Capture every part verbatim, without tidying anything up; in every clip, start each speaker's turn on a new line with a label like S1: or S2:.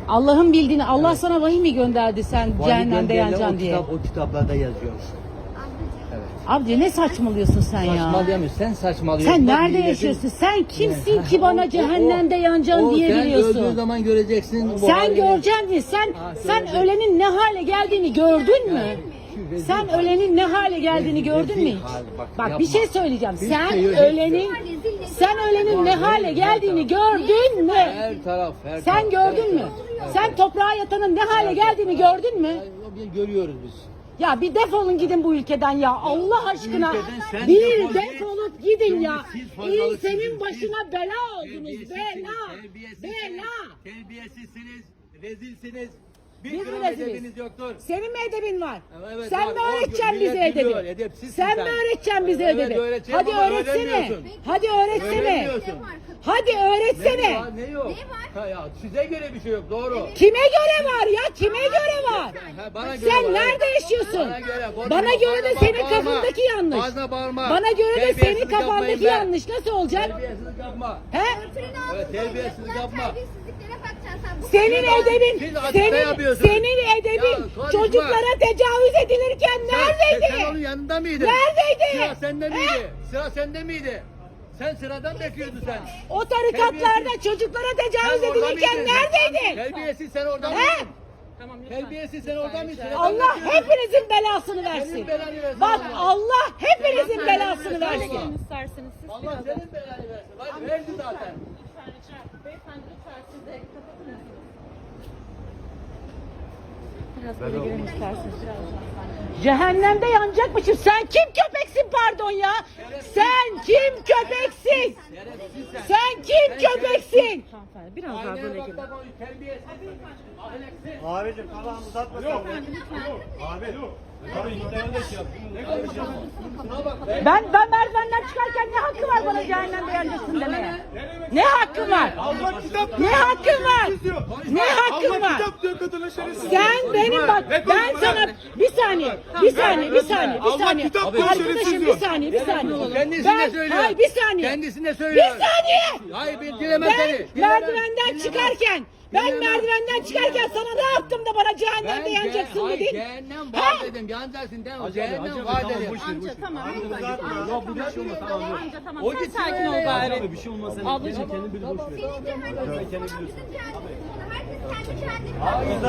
S1: Allah'ın bildiğini, Allah
S2: Evet.
S1: sana vahiy mi gönderdi sen
S2: Vahiy
S1: cehennemde
S2: gönderilen
S1: yanacaksın
S2: o
S1: diye?
S2: kitap, o kitaplarda yazıyor. Evet.
S1: Abdi ne saçmalıyorsun sen ya?
S2: Saçmalayamıyorsun, sen saçmalıyorsun.
S1: Sen
S2: Bak,
S1: nerede
S2: milletin-
S1: yaşıyorsun? Sen kimsin
S2: Ha,
S1: ki bana
S2: o- o-
S1: cehennemde
S2: o-
S1: yanacaksın
S2: o
S1: diye
S2: Sen öldüğün
S1: biliyorsun?
S2: zaman göreceksin. bu
S1: Sen
S2: halini.
S1: göreceksin mi? Sen
S2: Ha,
S1: sen
S2: göreceksin.
S1: ölenin ne hale geldiğini gördün mü?
S2: Şu rezil
S1: Sen
S2: hal.
S1: ölenin ne hale geldiğini
S2: Rezil-
S1: gördün mü
S2: rezil
S1: hiç?
S2: hal, bak,
S1: Bak
S2: yapma.
S1: bir şey söyleyeceğim.
S2: Hiç
S1: Sen
S2: şey yok, hiç
S1: ölenin
S2: yok.
S1: sen ölenin ne
S2: Var,
S1: hale
S2: her
S1: geldiğini
S2: taraf.
S1: gördün mü?
S2: Her taraf, her
S1: Sen
S2: taraf, her
S1: gördün mü?
S2: taraf, her
S1: Sen
S2: taraf.
S1: toprağa yatanın ne hale
S2: Her
S1: geldiğini
S2: taraf.
S1: gördün mü?
S2: Ya, biz Görüyoruz biz.
S1: Ya bir defolun gidin bu ülkeden ya. Allah aşkına
S2: ülkeden sen
S1: bir
S2: defol git.
S1: defolup gidin
S2: Şimdi
S1: ya.
S2: siz fazlalık
S1: İlsenin
S2: sizin,
S1: başına
S2: siz
S1: bela oldunuz.
S2: Terbiyesizsiniz,
S1: Bela.
S2: terbiyesizsiniz,
S1: Bela.
S2: Terbiyesizsiniz, rezilsiniz. Bir
S1: Biz mi
S2: gram
S1: reziliz?
S2: edebiniz yoktur.
S1: Senin mi edebin var?
S2: Evet,
S1: sen
S2: var.
S1: mi
S2: O
S1: öğreteceksin
S2: millet
S1: bize
S2: biliyor,
S1: edebi?
S2: edepsizsin
S1: Sen,
S2: sen.
S1: mi öğreteceksin bize
S2: Evet,
S1: edebi?
S2: öğreteceğim
S1: Hadi
S2: ama
S1: öğretsene.
S2: öğrenmiyorsun.
S1: Hadi öğretsene.
S2: Öğrenmiyorsun.
S1: Hadi
S2: Ne
S1: öğretsene.
S2: var, ne yok? Ha, ya, size göre bir şey yok, doğru.
S1: Kime göre var ya? Kime göre var?
S2: Ha, bana göre
S1: Sen
S2: var,
S1: nerede
S2: evet.
S1: yaşıyorsun?
S2: Bana göre, konuşma,
S1: Bana göre de
S2: fazla
S1: senin
S2: bağırma.
S1: kafandaki yanlış.
S2: Fazla bağırma.
S1: Bana göre de senin
S2: Terbiyesizlik
S1: kafandaki
S2: yapmayın be.
S1: yanlış. Nasıl olacak?
S2: Terbiyesizlik yapma.
S1: He?
S2: Evet, terbiyesizlik yapma.
S3: Terbiyesizliklere bakacaksın sen. Bu
S1: Senin
S2: Siz-
S1: edebin,
S2: siz açıkta
S1: senin,
S2: yapıyorsunuz.
S1: senin edebin
S2: Ya, konuşma.
S1: çocuklara tecavüz edilirken
S2: Sen,
S1: neredeydi?
S2: sen onun yanında mıydın?
S1: Neredeydi?
S2: Sıra sende
S1: He?
S2: miydi? Sıra sende miydi? Sen sıradan bekliyordun sen.
S1: O tarikatlarda
S2: Terbiyesiz.
S1: çocuklara
S2: Sen
S1: tecavüz
S2: orada
S1: edilirken
S2: mıydın?
S1: neredeydin?
S2: Terbiyesiz sen orada
S1: He?
S2: mıydın?
S4: Tamam lütfen.
S2: Terbiyesiz sen orada mıydın? Sıradan
S1: Allah
S2: bekliyordun.
S1: hepinizin belasını versin.
S2: Senin belanı versin
S1: Bak
S2: Allah.
S1: Allah hepinizin
S2: Senin
S1: belasını
S2: belanı
S1: versin.
S2: versin.
S4: İsterseniz siz
S2: Allah
S4: biraz
S2: senin belanı versin. Bak verdi zaten.
S4: lütfen rica beyefendi lütfen siz de kapatır mısınız? Biraz böyle girelim isterseniz biraz daha.
S1: Cehennemde yanacakmışım. Sen kim köpeksin pardon ya? Sen kim köpeksin?
S2: Şerefsiz sen.
S1: Sen kim köpeksin?
S4: Hanımefendi biraz daha
S2: Aynaya
S4: böyle
S2: bak
S4: girin.
S2: da konuş. Terbiyesiz. Ahlaksız.
S5: Abicim tamam uzatma sen. Abi dur. Abi iki tane de şey yap. Ne konuşuyorsun?
S2: Şuna bak be.
S1: Ben ben merdivenden çıkarken ne hakkı var bana cehennemde yanacaksın demeye? Ne hakkın var?
S5: Allah kitap
S1: Ne hakkın var? Ne hakkın
S5: Allah
S1: var?
S5: kitap diyor kadına şerefsiz.
S1: Sen benim bak ben sana bir saniye bir saniye bir saniye bir
S5: Allah
S1: saniye
S5: kitap diyor,
S1: arkadaşım
S5: şerefsiz
S1: bir
S5: diyor.
S1: saniye bir saniye
S2: Kendisine
S1: ben
S2: söylüyor.
S1: hayır bir saniye
S2: Kendisine
S1: bir
S2: söylüyor.
S1: saniye
S2: Hayır ben dilemem
S1: ben
S2: seni. Dilemem.
S1: merdivenden
S2: Dilemem.
S1: çıkarken ben
S2: Dilemem.
S1: merdivenden çıkarken sana ne yaptım da bana cehennemde yanacaksın
S2: hayır,
S1: dedin?
S2: cehennem
S1: Ha?
S2: var dedim. Yanacaksın değil mi? Cehennem var dedim.
S4: Amca tamam lütfen.
S5: Uzatma.
S4: Amca, amca, amca tamam
S2: O
S4: sen
S2: gitsin
S4: sakin
S2: öyle
S4: ol
S2: ya.
S4: bari.
S5: Bir şey olmaz.
S4: Ablacığım.
S5: Kendini bir boş ver.
S3: Senin cehennemin. Bizim cehennemin. Herkes kendi cehennemini.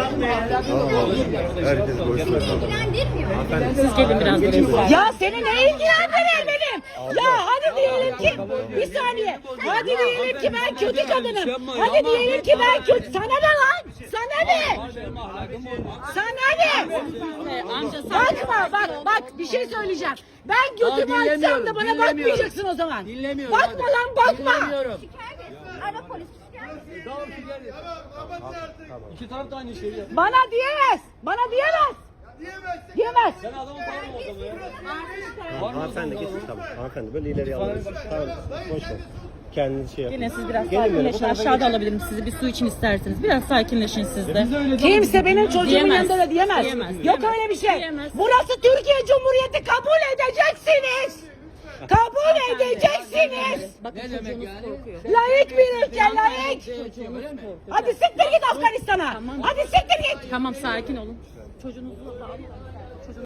S5: Herkes boş ver.
S3: İlgilendirmiyor.
S4: Siz gelin biraz böyle isterseniz.
S1: Ya seni ne ilgilendirir benim? Ya hadi diyelim ki bir saniye. Hadi diyelim ki ben kötü kadınım. Hadi diyelim ki ben kötü. Sana ne lan? Sana ne? Sana ne?
S4: Ee, Amca sakin.
S1: Bakma bak bak bir şey söyleyeceğim. Ben götümü
S2: Aa,
S1: açsam da
S2: dinlemiyorum,
S1: bana
S2: dinlemiyorum.
S1: bakmayacaksın o zaman.
S2: Dinlemiyorum.
S1: Bakma
S2: hadi.
S1: lan bakma.
S2: Dinlemiyorum.
S3: Ara polis şikayet.
S2: Tamam şikayet.
S5: İki taraf da aynı şeyi yapıyor.
S1: Bana diyemez. Bana diyemez. Diyemez.
S5: Sen adamın bağırma o zaman ya.
S6: Hanımefendi geçin tamam. Hanımefendi böyle ileri alın. Tamam. Boş ver. Kendiniz şey yapın.
S4: Yine siz biraz
S6: Gelin böyle, bu
S4: sakinleşin.
S6: tarafa
S4: Aşağıda alabilirim sizi bir su için isterseniz. Biraz sakinleşin siz de.
S1: Kimse benim çocuğumun
S4: Diyemez.
S1: yanında da diyemez.
S4: Diyemez,
S1: Yok
S4: diyemez.
S1: öyle bir şey.
S4: Diyemez.
S1: Burası Türkiye Cumhuriyeti, kabul edeceksiniz. Kabul edeceksiniz.
S4: Bakın
S2: Ne demek
S4: çocuğunuz
S2: yani?
S4: korkuyor.
S1: Layık bir ülke, layık.
S2: Öyle mi?
S1: Hadi siktir git Afganistan'a. Hadi siktir git.
S4: Tamam sakin olun. Çocuğunuzu da alın.